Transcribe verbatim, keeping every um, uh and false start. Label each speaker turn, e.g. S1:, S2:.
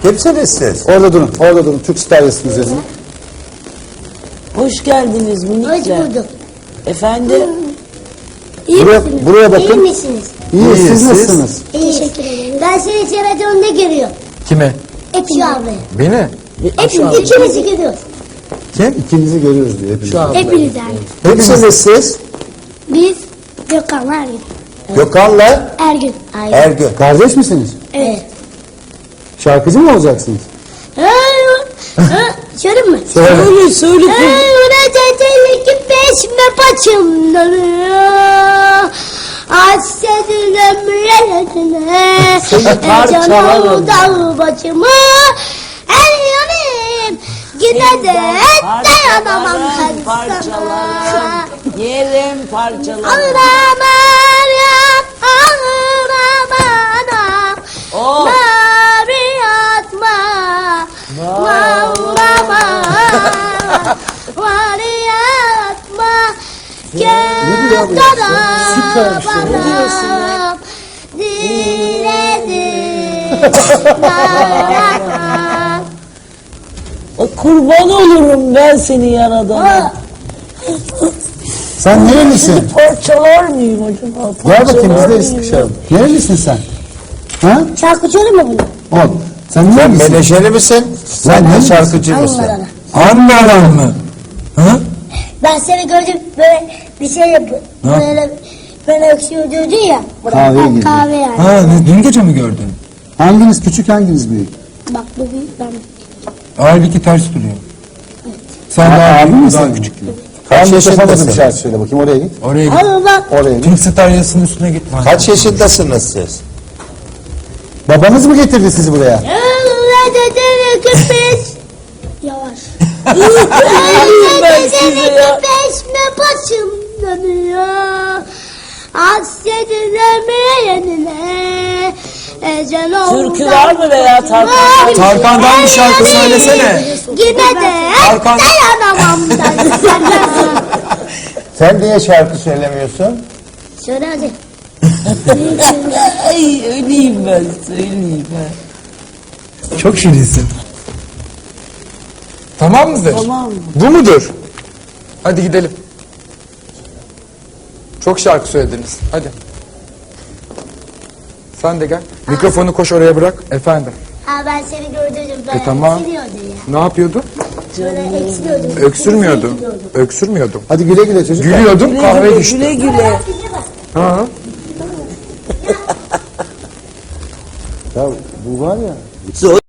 S1: Kimsiniz siz?
S2: Orada durun, orada durun. Türk Star yazısınız yazın.
S3: Hoş geldiniz
S4: Hoş
S3: minikler.
S4: bulduk.
S3: Efendim?
S4: İyi
S2: Buraya-
S4: misiniz?
S2: buraya bakın.
S4: İyi misiniz?
S2: İyi,
S1: İyi,
S2: siz
S1: siz?
S2: nasılsınız?
S4: Teşekkür ederim. Ben seni televizyonda görüyorum.
S5: Kime?
S4: Hepsi ablaya.
S5: Beni?
S4: Hepimiz ikimizi görüyoruz.
S2: Kim? İkinizi görüyoruz diyor hepiniz.
S4: Hepiniz yani.
S1: Kimsiniz siz?
S4: Biz Gökhan'la Ergün.
S1: Gökhan'la
S4: Ergün. Aynen.
S1: Ergün.
S2: Kardeş misiniz?
S4: Evet.
S2: Şarkıcı mı olacaksınız?
S4: Söyleyeyim mi?
S3: Söyle söyle.
S4: Öğreteceğim ki peşme paçımları Hassedin ömrüne
S3: Seni parçalarım.
S4: dağ başımı her yanım yine de dayanamam
S3: Parçalarım,
S4: her sana
S3: parçalarım. Yerim parçalarım.
S4: Ağlamam ya ağlamam
S3: Oh.
S4: Mari atma Ağlamam Mari atma
S2: Ne diyor abi ya? Süper bir şey.
S4: Bana diledim Dayanamam
S3: O kurban olurum ben seni yaradana.
S2: Sen nerelisin?
S3: Parçalar mıyım acaba?
S2: Gel bakayım biz
S3: Parçalar
S2: de
S3: mıyım
S2: sıkışalım. Nerelisin sen? Ha?
S4: Şarkıcı olur mu bunu?
S2: Ol. Sen
S1: Sen
S2: nerelisin?
S1: menajeri misin? Sen de şarkıcı mısın?
S4: Ankara'da.
S5: Anlaran mı? Ha?
S4: Ben seni gördüm böyle bir şey yapıyor. Böyle böyle öksürüyor diyordun ya.
S2: Kahveye
S4: Ha,
S2: girdi.
S4: Kahve yani.
S5: Ha, ne, dün gece mi gördün?
S2: Hanginiz küçük hanginiz büyük?
S4: Bak bu büyük ben.
S5: Halbuki ters duruyor. Sen
S2: Ha,
S5: daha
S2: abi
S5: büyük,
S2: misin?
S5: daha küçük.
S1: Kaç
S2: Ben yaşamadım bir
S1: yaşındasınız?
S2: şarkı söyle bakayım oraya git.
S5: Oraya git.
S4: Al bak.
S2: Oraya git.
S5: Türk Star yazısının üstüne git.
S1: Kaç yaşındasınız siz?
S2: Babanız mı getirdi sizi buraya?
S4: Öğreteceğim ki peş. Yavaş.
S3: ben size
S4: Öğreteceğim
S3: ya.
S4: ki peşme başım dönüyor. Hasretin ömrüne. Ecel oldu.
S3: Türkü var mı veya Tarkan?
S5: Tarkan'dan bir şarkı söylesene.
S4: Yine de
S5: Tarkan.
S4: dayanamam ben sana.
S1: Sen niye şarkı söylemiyorsun?
S4: Söyle hadi.
S3: Ay öleyim ben söyleyeyim ben.
S5: Çok şirinsin. Tamam mıdır?
S3: Tamam mı?
S5: Bu mudur? Hadi gidelim. Çok şarkı söylediniz. Hadi. Sen de gel. Mikrofonu koş oraya bırak. Efendim.
S4: Ha ben seni gördüm. Ben
S5: E, tamam.
S4: eksiliyordu ya.
S5: Ne yapıyordu?
S4: Böyle eksiliyordum.
S5: Öksürmüyordu. Öksürmüyordu.
S2: Hadi güle güle çocuklar.
S5: Gülüyordum,
S3: Güle
S5: kahve
S3: güle,
S5: düştü.
S3: güle güle.
S5: Ha.
S2: Ya bu var ya.